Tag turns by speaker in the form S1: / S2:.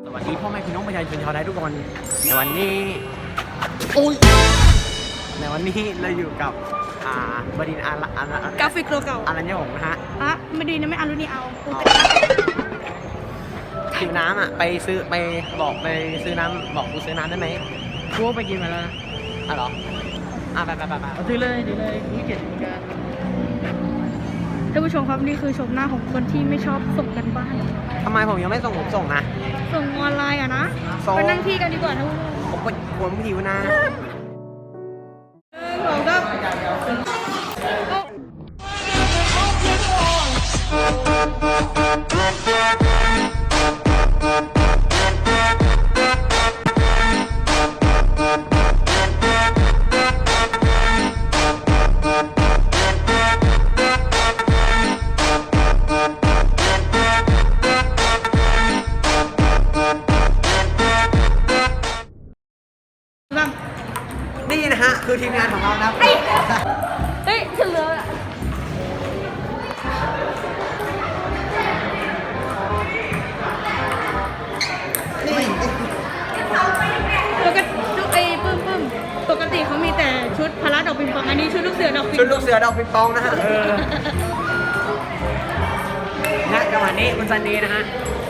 S1: สวัสดีพ่อแม่พี่น้องประชาชนชาวไทยทุกคนในวันนี้เราอยู่กับบดินทร์
S2: กราฟิกโลเก่า
S1: อารัญญหงส์นะฮะ
S2: ไม่ดีนะไม่เอารุ่นนี้เอา
S1: หิวน้ำไปซื้อน้ำบอกกูซื้อน้ำได้ไหม
S2: กูไปกินมาแล้วนะ
S1: เหรอไป
S2: ถือเลยนี่เกียรติการท่านผู้ชมครับนี่คือชมหน้าของคนที่ไม่ชอบส่งกันบ้าน
S1: ทำไมผมยังไม่ส่งนะ
S2: ส่งออนไลน์นะไปนั่งที่กันดีกว่าท่านผู้ชม
S1: ผมหิวนะ
S2: ผมก็
S1: นี่นะฮะคือทีมงานของเรานะ
S2: เฮ้ยถึงแล้วอะปกติปกติเขามีแต่ชุดพละดอกปิงปองอันนี้ชุดลูกเสือดอกปิงปอง
S1: ชุดลูกเสือดอกปิงปองนะฮะณจังหวะนี้คุณซันนี่นะฮะ